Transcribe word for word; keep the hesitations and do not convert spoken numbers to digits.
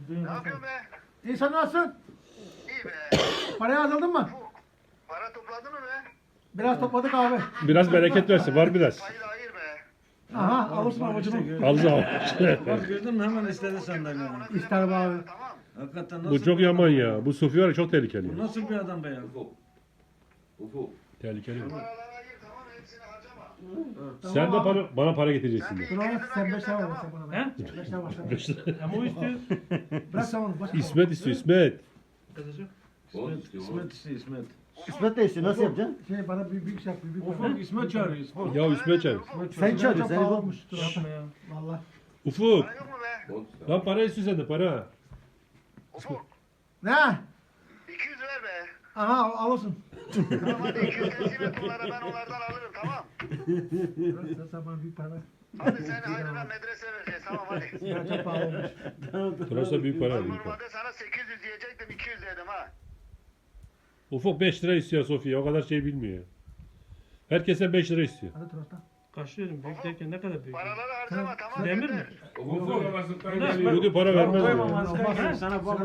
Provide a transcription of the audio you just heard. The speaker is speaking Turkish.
Ne yapıyorsun be? İyi sen nasılsın? İyi be. Parayı hazırladın mı? Ufuk. Para topladın mı be? Biraz topladık abi. Biraz bereket versin. Var biraz. Payı da ayır be. Aha alırsın avucunu. Aldı al. Bak gördün mü hemen istedi senden yani. İster be abi. Tamam. Hakikaten nasıl Bu çok bir yaman adam ya. Bu Sufi var ya çok tehlikeli. Bu nasıl bir adam be ya? Ufuk. Ufuk. Tehlikeli. Paraları ayır tamam hepsini harcama. Sen de bana, bana para getireceksin. de. Dur abi sen beş tane ver sen bana. He? Beş tane var. Beş lira. Ama o istiyor. Bırak sen onu. Başka İsmet istiyor İsmet. Kızacak. Oğlum, İsmet, İsmet istiyor İsmet. İsmet de istiyor. Nasıl yapacaksın? Şey bana büyük büyük şey yap. Büyük Ufuk İsmet çağırıyor İsmet. Ya İsmet çağır. Sen çağırıyorsun. Çok Seni pahalı bu. olmuş. Dur Yapma abi. ya. Valla. Ufuk. Para yok mu be? Oğlum, Lan para istiyor sende para. Ufuk. Ne? iki yüz ver be. Aha alırsın. Tamam hadi iki yüz teslim et onlara ben onlardan alırım tamam. Sen, sen bana büyük para ver. Hadi sen ayrına medrese vereceğiz tamam hadi. Ya çok pahalı olmuş. Burası büyük para. Ben Büyük para. normalde sana sekiz yüz diyecektim iki yüz dedim ha. Ufuk beş lira istiyor Sofya. O kadar şey bilmiyor. Herkese beş lira istiyor. Hadi Trosta. Kaçlıyorum. Büyük derken ne kadar büyük? Paraları harcama tamam. Demir yeter. mi? Ufuk. Bugün para vermez Koymam diyor. asker sana bak.